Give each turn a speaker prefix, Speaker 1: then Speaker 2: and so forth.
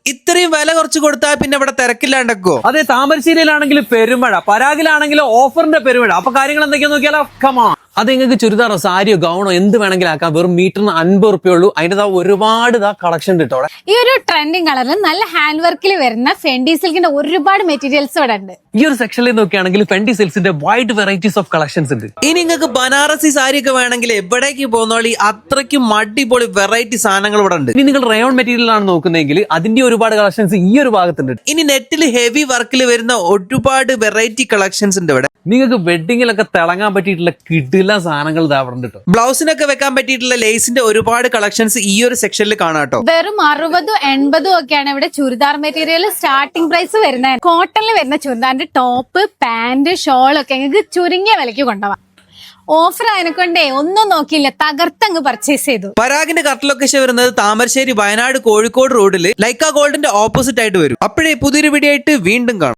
Speaker 1: ഇത്രയും വില കുറച്ച് കൊടുത്താൽ പിന്നെ ഇവിടെ തിരക്കില്ലാണ്ടോ?
Speaker 2: അതെ, താമരശ്ശേരിയിലാണെങ്കിൽ പെരുമഴ, പരാഗിലാണെങ്കിൽ ഓഫറിന്റെ പെരുമഴ. അപ്പൊ കാര്യങ്ങൾ എന്തൊക്കെയാന്ന് നോക്കിയാലോ? കമാ. അത് നിങ്ങൾക്ക് ചുരിദാറോ സാരിയോ ഗൗണോ എന്ത് വേണമെങ്കിലും ആക്കാം. വെറും മീറ്ററിന് 50 റുപ്യ ഉള്ളൂ. അതിന്റെ ഒരുപാട് കളക്ഷൻ കിട്ടും.
Speaker 3: ഈ ഒരു ട്രെൻഡിങ് കളറിൽ നല്ല ഹാൻഡ് വർക്കിൽ വരുന്ന ഫെൻഡി സിൽക്കിന്റെ ഒരുപാട് മെറ്റീരിയൽസ് ഇവിടെ ഉണ്ട്.
Speaker 2: ഈ ഒരു സെക്ഷനിൽ നോക്കുകയാണെങ്കിൽ ഫെൻഡി സിൽക്സിന്റെ വൈഡ് വെറൈറ്റീസ് ഓഫ് കളക്ഷൻസ് ഉണ്ട്.
Speaker 1: ഇനി നിങ്ങൾക്ക് ബനാറസി സാരി ഒക്കെ വേണമെങ്കിൽ എവിടേക്ക് പോകുന്നോളി, അത്രയ്ക്കും അടിപൊളി വെറൈറ്റി സാധനങ്ങൾ ഇവിടെ ഉണ്ട്.
Speaker 2: ഇനി നിങ്ങൾ റയോൺ മെറ്റീരിയൽ ആണ് നോക്കുന്നതെങ്കിൽ അതിന്റെ ഒരുപാട് കളക്ഷൻസ് ഈ ഒരു ഭാഗത്തുണ്ട്.
Speaker 1: ഇനി നെറ്റിൽ ഹെവി വർക്കിൽ വരുന്ന ഒരുപാട് വെറൈറ്റി കളക്ഷൻസ് ഉണ്ട് ഇവിടെ.
Speaker 2: നിങ്ങൾക്ക് വെഡിങ്ങിലൊക്കെ തിളങ്ങാൻ പറ്റിയിട്ടുള്ള കിടില സാധനങ്ങൾ ഇതാവറുണ്ട് കേട്ടോ.
Speaker 1: ബ്ലൗസിനൊക്കെ വെക്കാൻ പറ്റിയിട്ടുള്ള ലേസിന്റെ ഒരുപാട് കളക്ഷൻസ് ഈ ഒരു സെക്ഷനിൽ കാണാട്ടോ.
Speaker 3: വെറും 60-80 ഒക്കെയാണ് ഇവിടെ ചുരിദാർ മെറ്റീരിയൽ സ്റ്റാർട്ടിംഗ് പ്രൈസ് വരുന്നത്. കോട്ടണിൽ വരുന്ന ചുരിദാറിന്റെ ടോപ്പ്, പാന്റ്, ഷോൾ ഒക്കെ നിങ്ങൾക്ക് ചുരുങ്ങിയ വിലയ്ക്ക് കൊണ്ടുപോകാം. ഓഫർ അതിനെക്കൊണ്ടേ ഒന്നും നോക്കിയില്ല, തകർത്തങ്ങ് പർച്ചേസ് ചെയ്തു.
Speaker 1: പരാഗിന്റെ കറക്റ്റ് ലൊക്കേഷൻ വരുന്നത് താമരശ്ശേരി, വയനാട്, കോഴിക്കോട് റോഡിൽ ലൈക്ക ഗോൾഡിന്റെ ഓപ്പോസിറ്റ് ആയിട്ട് വരും. അപ്പോഴേ പുതിയൊരു വീഡിയോ ആയിട്ട് വീണ്ടും കാണാം.